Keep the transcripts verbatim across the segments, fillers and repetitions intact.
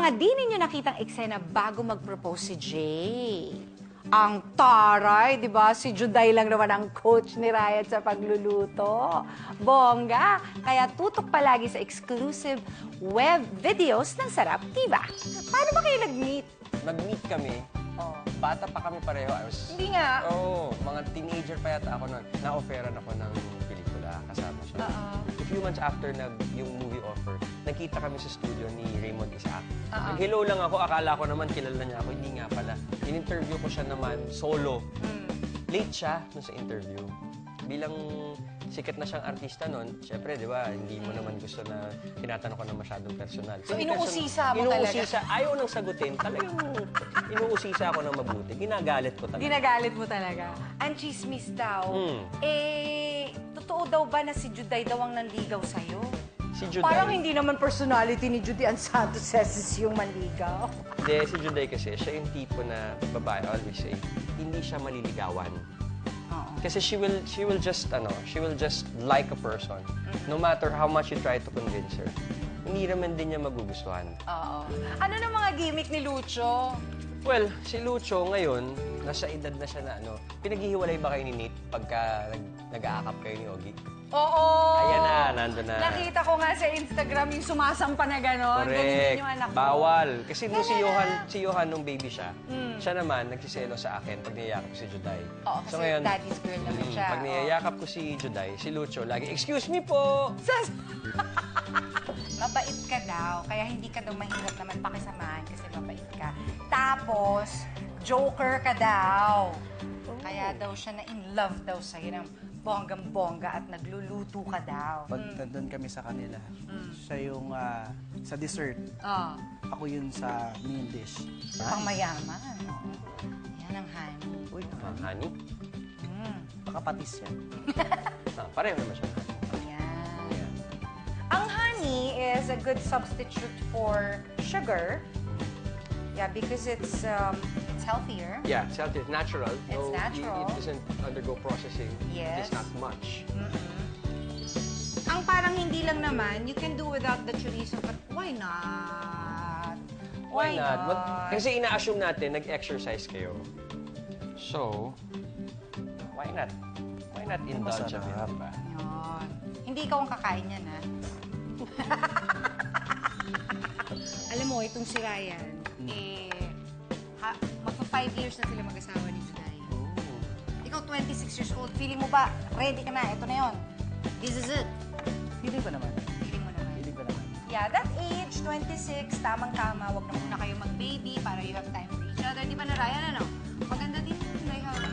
mga di ninyo nakitang eksena bago mag-propose si Jay. Ang taray, di ba? Si Juday lang naman ang coach ni Ryan sa pagluluto. Bongga! Kaya tutok palagi sa exclusive web videos ng Sarap Diva. Paano ba kayo nag-meet? Nag-meet kami. Oh. Bata pa kami pareho. I was, Hindi nga. Oo, oh, mga teenager pa yata ako nun. Na-offeran ako ng pelikula. Kasama siya. Uh-oh. A few months after nag, yung movie offer, nagkita kami sa studio ni Raymond Isaac. Uh-oh. Nag-hello lang ako. Akala ko naman kilala niya ako. Hindi nga pala. In-interview ko siya naman solo. Mm. Late siya dun sa interview. Bilang sikat na siyang artista nun, syempre, di ba, hindi mo naman gusto na tinatanong ko na masyadong personal. So, Hindi inuusisa personal. mo talaga? Inuusisa. Ayaw nang sagutin. Talagang inuusisa ako ng mabuti. Ginagalit ko talaga. Ginagalit mo talaga. Ang chismis daw, Mm. eh, totoo daw ba na si Juday daw ang nanligaw sa'yo? Si Juday. Parang hindi naman personality ni Judy Ann Santos Ceces yung manligaw. Hindi, si Juday kasi, siya yung tipo na babae, I always say, hindi siya maliligawan. Oo. Kasi she will she will just ano, she will just like a person. No matter how much you try to convince her. Hindi naman din niya magugustuhan. Oo. Ano na mga gimmick ni Lucho? Well, si Lucho ngayon, nasa edad na siya na ano, pinaghihiwalay ba kayo ni Nate pagka nag, nag-aakap kayo ni Ogie? Oo! Ayan na, nandun na. Nakita ko nga sa Instagram yung sumasampa na gano'n. Ganyan Correct. din yung anak ko. Bawal. Kasi nung si Johan, si Johan nung baby siya, Mm. siya naman nagsiselo sa akin pag niyayakap ko si Juday. Oo, kasi daddy's girl naman mm, siya. Pag Oo. niyayakap ko si Juday, si Lucho, lagi, excuse me po! Sas- Mabait ka daw, kaya hindi ka daw mahirap naman pakisamahan kasi mabait ka. Tapos, joker ka daw. Kaya daw siya na in love daw sa'yo ng bonggang-bongga at nagluluto ka daw. Pag nandun kami sa kanila, siya yung ah, sa dessert. Oh, Ako yun sa main dish. pang mayaman. Yan ang honey. Uy, Ah, honey? Mm. baka patis yan. Ah, pareho naman siya. Yan. Ayan. Ang honey is a good substitute for sugar. Yeah, because it's um, it's healthier. Yeah, it's healthy. It's natural. It's No, natural. It, it doesn't undergo processing. Yes. It's not much. Ang parang hindi lang naman, you can do without the chorizo, but why not? Why not? Mag- kasi ina-assume natin, nag-exercise kayo. So, why not? Why not indulge a bit, Masarap. diba? Yun. Hindi ikaw ang kakain yan, ha? Alam mo, itong si Ryan, eh, ha, magpa-five years na sila mag-asawa ni Juday. Ikaw, twenty-six years old, feeling mo ba, ready ka na, ito na yun. This is it. Feeling ko naman. Feeling mo naman. Feeling ko naman. Yeah, that age, twenty-six, tamang-tama. Huwag na muna kayo mag-baby para you have time for each other. Di ba na, Ryan, ano? Maganda din yun, they have...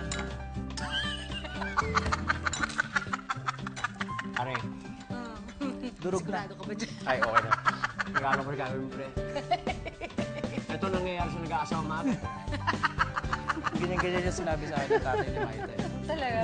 Are, Durog na. Sigurado ka ba dyan? ay, okay na. Regalo ko regalo mo, pre. Ito nangyayari sa nag-aasawa mata. Ganyan-ganyan yung sinabi sa akin ng tatay ni Maita. eh. Talaga?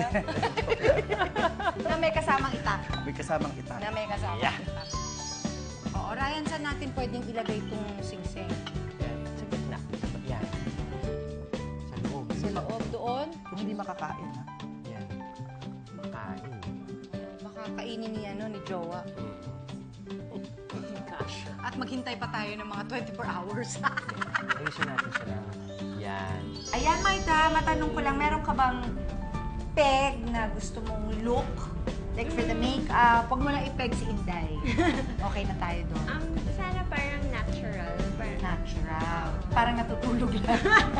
Na may kasamang itak. May kasamang itak. Na may kasamang Yeah. itak. Oo, Ryan, saan natin pwedeng ilagay itong singsing? Yan, sa gitna. Yan. Sa loob. Sa loob doon? Kung hindi makakain, ha? Yan. Makain. Baka kainin ni, ano, ni Jowa. Mm. Gosh. At maghintay pa tayo ng mga twenty-four hours. Ayusin natin sila. Yan. Ayan, Maita, matanong ko lang, meron ka bang peg na gusto mong look? Like for the makeup, huwag mo lang i-peg si Inday. Okay na tayo doon. Um, sana parang natural. Parang, Natural. Parang natutulog lang.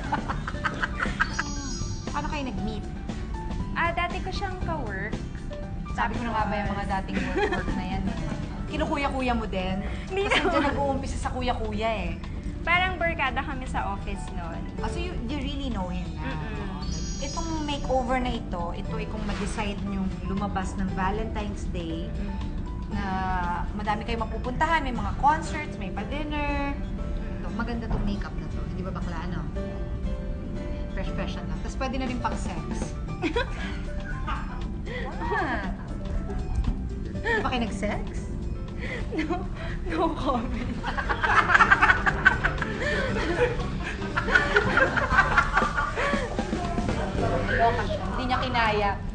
Paano kayo nag-meet? ah, dati ko siyang ka-work. Sabi ko na nga ba yung mga dating work-work na yan eh. Kinukuya-kuya mo din. Hindi Kasi naman. dyan nag-uumpisa sa kuya-kuya eh. Parang barkada kami sa office noon. Oh, so you, you really know him na. Mm-mm. Itong makeover na ito, ito ay kung mag-decide niyong lumabas ng Valentine's Day, na madami kayo mapupuntahan, may mga concerts, may pa-dinner. Ito, maganda tong makeup na to. Hindi ba bakla, ano? Fresh-fresh lang. Tapos pwede na rin pang sex. What? Hindi ba kayo nag-sex? No, no comment. Loka siya. Hindi niya kinaya.